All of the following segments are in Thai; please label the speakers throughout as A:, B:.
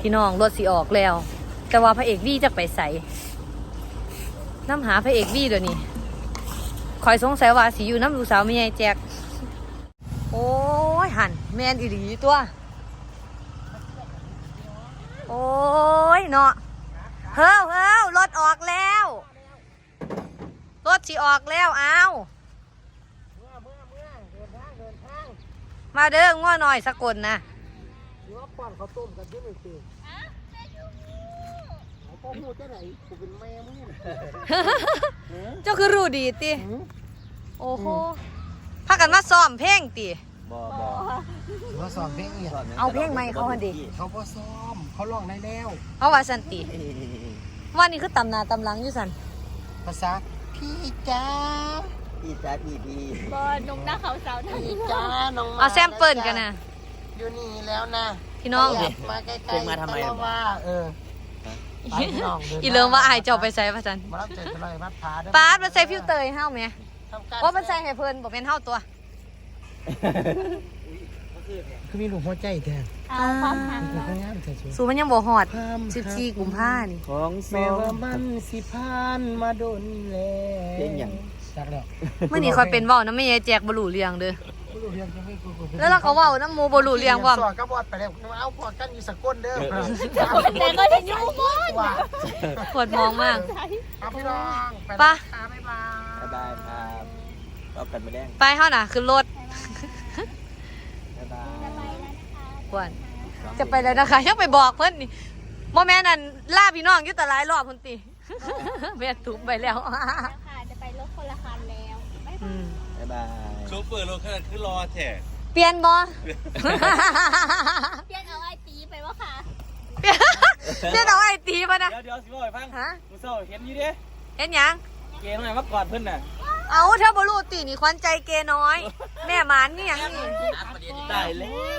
A: พี่น้องรถสิออกแล้วแต่ว่าพระเอกวี่จะไปใส่น้ำหาพระเอกวี่เดี๋ยวนี้คอยสงสัยว่าสิอยู่น้ำลูกสาวไม่ใหญ่แจกโอ้ยหันแมนอีหลีตัวโอ้ยเนาะเฮ้อรถออกแล้วรถสิออกแล้วเอามาเด้อง้อหน่อยสกลนะ
B: ป้อนเขาต้มกันที่ไหนตีพ่อพูดที่ไหนกูเป็นแม่มึง
A: เจ้าคือรู้ดีติโอ้โหพากันมาซ้อมเพลงติ
C: บ่
B: เขาซ้อมเพลงเนี่ย
A: เอาเพลงใหม่เขาหันดิ
B: เขาก็ซ้อมเขาร้องได้แล้ว
A: เขาว่าสันติว่านี่คือตำนาตำลังอยู่สัน
B: ภาษาพี่จ้า
C: พี่
D: บอลนงหน้าเขาสาวนั่น
B: พี่จ้าน้อง
A: เอาแซมเปิลกันนะ
B: อยู่นี่แล้วนะ
A: พี่น้อง
B: มาใกล้ๆมาทำไมว่า
A: อีเลิมว่าอายเจ้าไปใส่พระจัน
B: มารับเจอกันเลยวัดผาด้วย
A: ป้ามันใส่ฟิวเตอร์ให้เฮาไหมว่ามันใส่ให้เพิ่นบอกเป็นเฮาตัว
B: คือมีหลวงพ่อใจแทน
A: สูมันยังบ่ฮอด14 กุมภาพันธ์นี่
C: ของ
B: แม่ว่ามันสิพานมาโดนแล้ว
C: เพลงหยัง
B: จักแล้ว
A: มื้อนี้ค่อยเป็นเว้านะแม่ยายแจกบ่รู้เรื่องเด้อแล้วเราก็เว้าน้ำหมู่บ่รู้เรื่องว่า
B: สอนก็บอดไปแล้วเอาพอกันอยู่สกลเด้อ
D: แต่ก็จะยุ่งมาก
A: ปวดมองมาก
B: พี่น้อง
A: ไป
C: บ๊ายบายครับรอบกันไม่แดง
A: ไปเฮาน่ะขึ้นรถ
C: บ๊ายบาย
A: ปวดจะไปแล้วนะคะยังไปบอกเพิ่นนี่บ่แม่นั่นล่าพี่น้องอยู่แต่หลายรอบพุ่นติแม่ทุบไปแล้ว
D: ค่ะจะไปรถคนละคันแล้วบ๊
C: ายบาย
E: โชเฟอร์รถขนาดคือรอแท้
A: เปลี่ยนบ่
D: เปลี่ยนเอาไอตีไปวะค่ะ
A: เปลี่ยนเอาไอตีป่ะนะ
C: เดี๋ยวสิบ่ให้ฟังกูเศร้าเห็นอยู่ดิ
A: เห็นหยัง
C: เกย์มาเมื่อก่อนเพิ่นน่ะ
A: เอาถ้าบ่รู้ตินี่ควันใจเกน้อยแม่หมานนี่หยังนี่
C: ได้แล้ว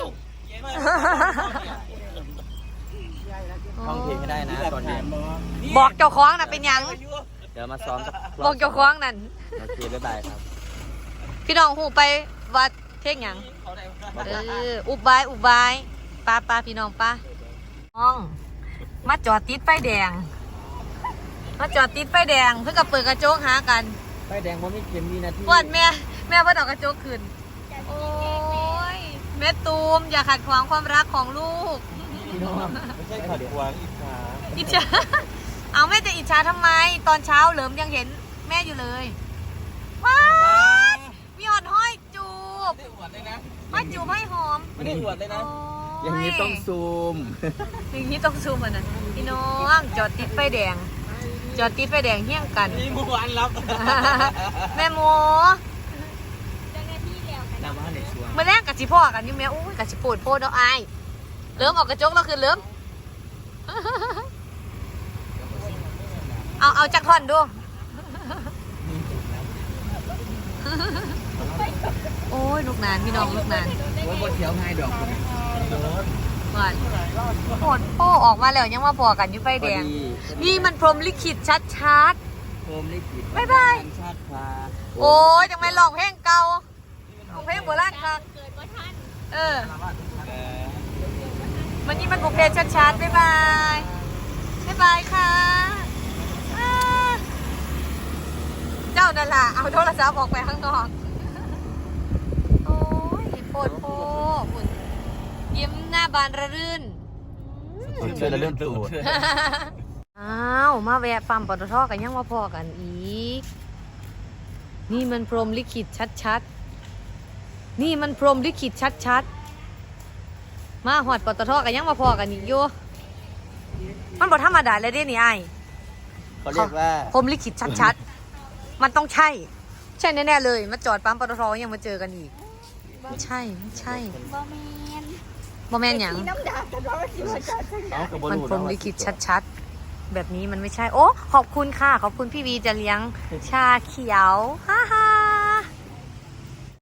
C: ท่องเพลงให้ได้นะตอนนี้
A: บอกเจ้าของน่ะเป็นหยัง
C: เดี๋ยวมาซ้อม
A: บอกเจ้าของนั่น
C: โอเคบ๊ายบายครับ
A: พี่น้องหูไปวัดเท่งหยังอุบายป้าพี่น้องป้าน้องมาจอดติดไฟแดงเพื่อกับเปิดกระจกหากัน
C: ไฟแดงเพราะไม่เข็มมีนาที
A: ปวดแม่เพิ่นเอากระจกขึ้นโอ้ยแม่ตูมอย่าขัดขวางความรักของลูก
C: พี่น้องไม่ใช่ขัดขวาง
A: อิจฉาเอาแม่จะอิจฉาทำไมตอนเช้าเหลิมยังเห็นแม่อยู่เลยว้ามีหอดห้อยจูบห้อยจูบให้หอม
C: ไม่ได้อวดเลยนะอย่างนี้ต้องซูม
A: อ่ะนะพี่น้องจอดติดไฟแดงเฮี้ยงกัน
C: มีหมู่บ้านรับ
A: แม่โม
D: จังหน้าที่แล้วกัน
C: น้ำมันในช่วง
A: เมื่อแรกกับชิพ่อกันนี่แม่อุ้ยกับชิปูดโพดเอาไอเริ่มออกกระจกแล้วคือเริ่มเอาจักท่อนดูโอ้ยลูกนานพี่น้องลูกนาน
C: ว่าบนเที่ยวง่ายดอก
A: ก่อนโหดโป้ออกมาแล้วยังว่าพอกันอยู่ไฟแดงนี่มันพรหมลิขิตชัด
C: พรหมลิขิต
A: บ๊ายบายโอ้ยจังไม่ลองเพลงเก่าเพลงโบราณค่ะ
D: เกิดว่าท่าน
A: มันนี่มันบุกเพลงชัดบ๊ายบายค่ะเจ้านั่นล่ะเอาโทรศัพท์ออกไปข้างนอกโอ้ยโปหุ่นยิ้มหน้าบานระรื่น
C: เชื่อแล้วเรื่องตูด
A: อ้าวมาแวะปั๊มปตท.กันยังว่าพอกันอีกนี่มันพรหมลิขิตชัดมาหอดปตท.กันยังว่าพอกันอีกอยู่มันบ่ธรรมดาเลยเด้นี่ไอ้
C: เขาเรียกว่า
A: พรหมลิขิตชัดมันต้องใช่แน่ๆเลยมาจอดปั๊มปตท.ยังมาเจอกันอีกไม่ใช่บอแมนอย่างมันพรหมลิขิตชัดแบบนี้มันไม่ใช่โอ้ขอบคุณค่ะขอบคุณพี่วีจะเลี้ยงชาเขียวฮ่า